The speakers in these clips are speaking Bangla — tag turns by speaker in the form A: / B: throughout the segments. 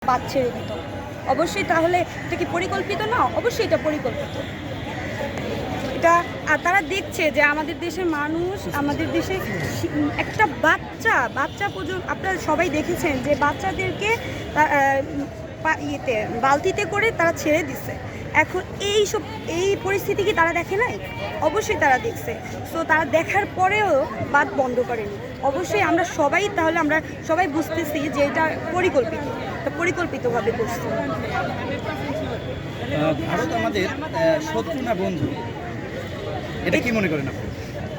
A: বাদ ছেড়ে দিত। অবশ্যই তাহলে এটা কি পরিকল্পিত না? অবশ্যই এটা পরিকল্পিত। এটা তারা দেখছে যে আমাদের দেশের মানুষ, আমাদের দেশে একটা বাচ্চা পর্যন্ত আপনারা সবাই দেখেছেন যে বাচ্চাদেরকে বালতিতে করে তারা ছেড়ে দিচ্ছে। এখন এই পরিস্থিতি কি তারা দেখে নাই? অবশ্যই তারা দেখছে। সো তারা দেখার পরেও বাদ বন্ধ করেনি। অবশ্যই আমরা সবাই বুঝতেছি যে এটা পরিকল্পিতভাবে করছে।
B: ভারত আমাদের শত্রু না বন্ধু, এটা কি মনে করেন আপনি?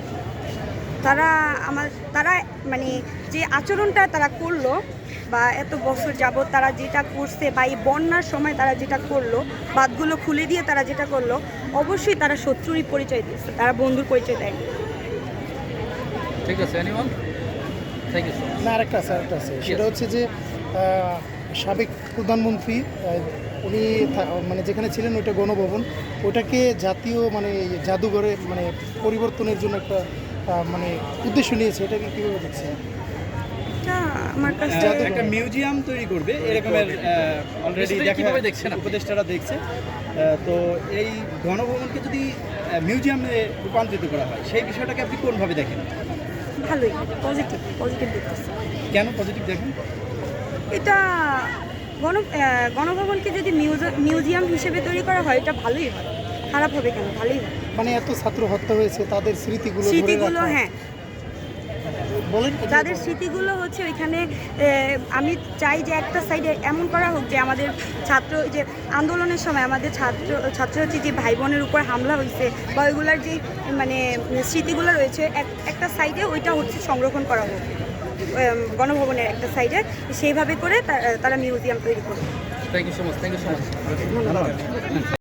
A: তারা মানে যে আচরণটা তারা করলো বা এত বছর যাবৎ তারা যেটা করছে বা এই বন্যার সময় তারা যেটা করলো, বাঁধগুলো খুলে দিয়ে তারা যেটা করলো, অবশ্যই তারা শত্রুরই পরিচয় দিচ্ছে, তারা বন্ধুর পরিচয় দেয়।
C: ঠিক আছে, anyone? Thank you so much.
D: না, আরেকটা আছে সেটা হচ্ছে যে সাবেক প্রধানমন্ত্রী উনি মানে যেখানে ছিলেন ওইটা গণভবন, ওটাকে জাতীয় মানে জাদুঘরে মানে পরিবর্তনের জন্য একটা মানে উদ্দেশ্য নিয়েছে। এটাকে কীভাবে দেখছে?
A: আমার কাছে
B: একটা মিউজিয়াম তৈরি করবে এরকমের অলরেডি
C: কিভাবে দেখছেন আপনি?
B: উপদেষ্টারা দেখছে। তো এই গণভবনকে যদি মিউজিয়ামে রূপান্তরিত করা হয়, সেই বিষয়টাকে আপনি কোনভাবে দেখেন?
A: ভালোই, পজিটিভ দেখতেছে।
B: কেন পজিটিভ দেখেন?
A: এটা গণভবনকে যদি মিউজিয়াম হিসেবে তৈরি করা হয়, এটা ভালোই হয়। খারাপ হবে কেন? ভালোই হয়।
D: মানে এত ছাত্র হত্যা হয়েছে, তাদের স্মৃতিগুলো
A: হ্যাঁ,
D: বলেন।
A: যাদের স্মৃতিগুলো হচ্ছে ওইখানে আমি চাই যে একটা সাইডে এমন করা হোক যে আমাদের যে আন্দোলনের সময় আমাদের ছাত্রছাত্রী যে ভাই বোনের উপর হামলা হয়েছে বা ওইগুলার যে মানে স্মৃতিগুলো রয়েছে একটা সাইডে ওইটা হচ্ছে সংরক্ষণ করা হোক গণভবনের একটা সাইডে, সেইভাবে করে তারা মিউজিয়াম তৈরি করবে।
C: Thank you so much.
A: ধন্যবাদ।